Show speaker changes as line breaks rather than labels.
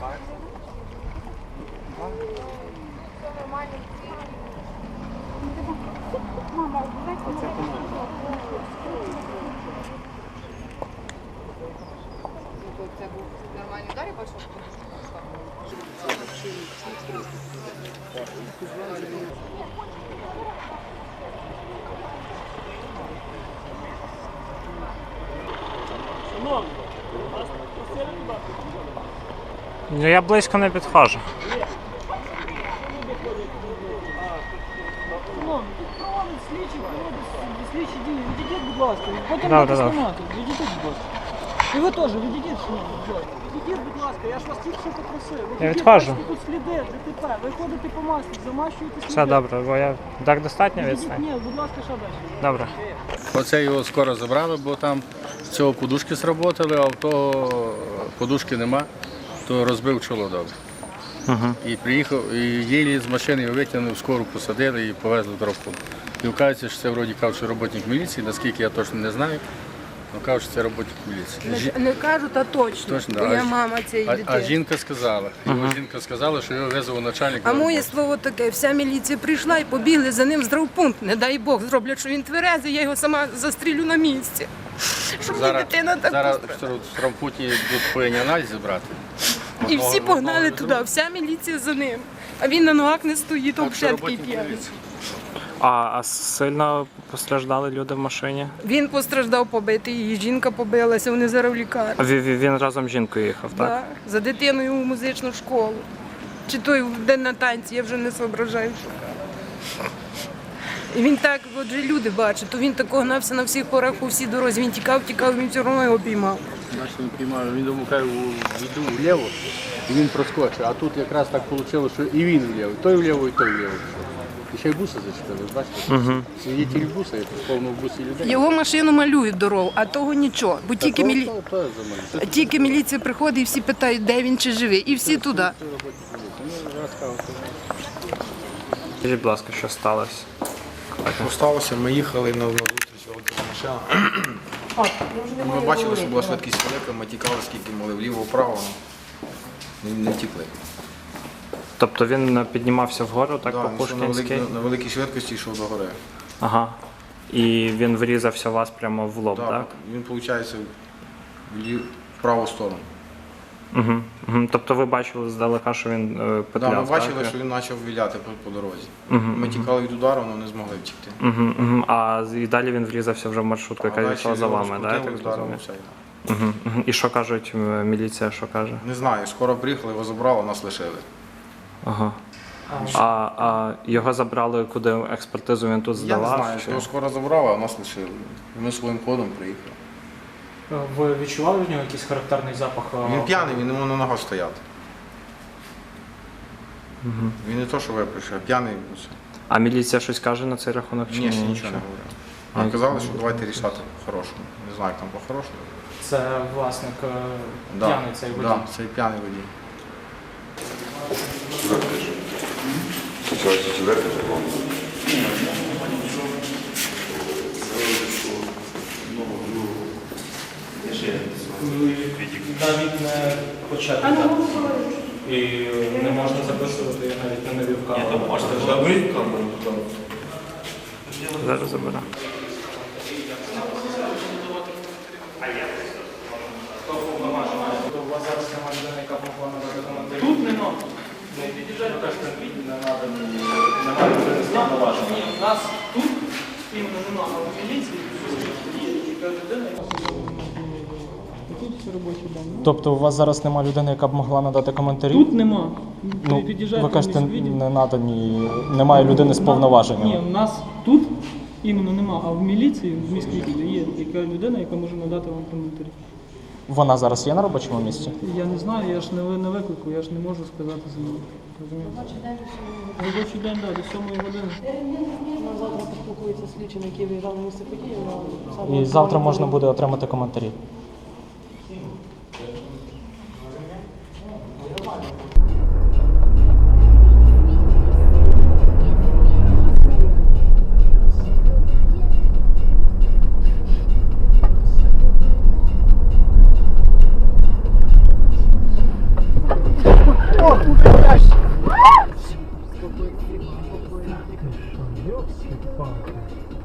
Це був нормальний удар, я бачу, що
Ну, я близько не підходжу.
Слідчі дії, відійдіть, будь ласка, потім
Да,
будете
да, да.
знімати, відійдіть, будь ласка. І ви теж, відійдіть, відійдіть, будь ласка, я ж вас тільки що попросив.
Я відходжу.
Тут сліди, ДТП, ви ходите по маслі, замащуєте сліди.
Все добре, бо я так достатньо
Відійдіть,
відстань.
ні, будь ласка, що далі?
Добре.
Оце його скоро забрали, бо там з цього подушки сработали, а в того подушки нема, то розбив чоло добре. І приїхав, і єлі з машини його витягнули, скору посадили і повезли в рахунок. І вказується, що це вроді кажуть, що роботник міліції, наскільки я точно не знаю, але кажуть, що це роботник міліції.
не кажуть, а точно,
Точно,
бо
да.
я мама цієї дитини.
А жінка сказала, жінка сказала, що його визвав начальник.
А моє слово таке, вся міліція прийшла і побігли за ним в здравпункт. Не дай Бог, зроблять, що він тверезий, я його сама застрілю на місці. Щоб
Зараз,
дитина так
зараз
пострадала.
в травмпуті йдуть повинні аналізи брати.
І всі погнали туди, вся міліція за ним. А він на ногах не стоїть,
Так, що
взагалі такий
роботник
п'яний.
міліції.
А сильно постраждали люди в машині?
Він постраждав побитий, її жінка побилася, вони зараз в лікарні.
А він разом з жінкою їхав, так?
Да, за дитиною у музичну школу. Чи той в день на танці, я вже не соображаю, що. І він так, отже, люди бачать, то він так гнався на всіх порах по всій дорозі. Він тікав, він все одно його піймав.
Значить, він піймав, він думав, хай йду вліво, і він проскочив. А тут якраз так вийшло, що і він вліво, той вліво, і той вліво. І ще й буси зачепили, бачите? Свідетель буса, я повно в бусі людей.
Його машину малюють дорогу, а того нічого. Бо тільки,
То
тільки міліція приходить і всі питають, де він чи живий. І всі туди.
Скажіть, будь ласка, що сталося?
Що сталося? Ми їхали на зустріч велика машина. Ми бачили, що була швидкість велика, ми тікали, скільки могли вліво-вправо, не втікли.
Тобто він піднімався вгору, так,
Да,
по
він йшов
Пушкінській?
на великій швидкості йшов до гори.
Ага. І він врізався у вас прямо в лоб, так?
Він, виходить, в праву сторону.
Угу. Тобто ви бачили здалека, що він петляв,
Ми бачили,
так?
що він почав віляти по дорозі. Ми тікали від удару, але не змогли втікти.
А і далі він врізався вже в маршрутку, яка йшла за вами, так? Я так зрозумів? І що кажуть, міліція, що каже?
Не знаю, скоро приїхали, його забрали, нас лишили.
Ага. А його забрали куди експертизу він тут
Я
здавав?
не знаю,
чи-
його скоро забрали, а нас лишили. І ми своїм ходом приїхали.
Ви відчували в нього якийсь характерний запах?
Він п'яний, він не може на ногах стояти. Він не то, що випише, а п'яний. Все.
А міліція щось каже на цей рахунок? Чи
Ні, ще нічого не говорив. Вони казали, що давайте рішати по-хорошому. Не знаю, як там по-хорошому.
Це власник п'яний цей водій?
Так, цей п'яний водій.
Навіть не почати дати. І не можна записувати, я навіть не навів камеру.
Зараз заберу.
У вас зараз немає людини, яка могла надати коментарі? Тут нема. Не під'їжджайте, теж конкретні, немає людини з повноваження. Ні, у нас тут іменно нема, а в міліції є така людина, яка...
Тобто у вас зараз немає людини, яка б могла надати коментарі?
Тут нема.
Ну,
Під'їжджайте
ви кажете,
в міськвідділ.
не надані, немає людини з
Ні,
повноваженнями.
у нас тут іменно нема, а в міліції, в міськвідділі є яка людина, яка може надати вам коментарі.
Вона зараз є на робочому місці?
Я не знаю, я ж не на виклику, я ж не можу сказати за нього. Робочий день, так, до 7 години.
Завтра поспілкується слідчим, який виїжджав на місце події.
І завтра можна буде отримати коментарі. Йопсі-палки.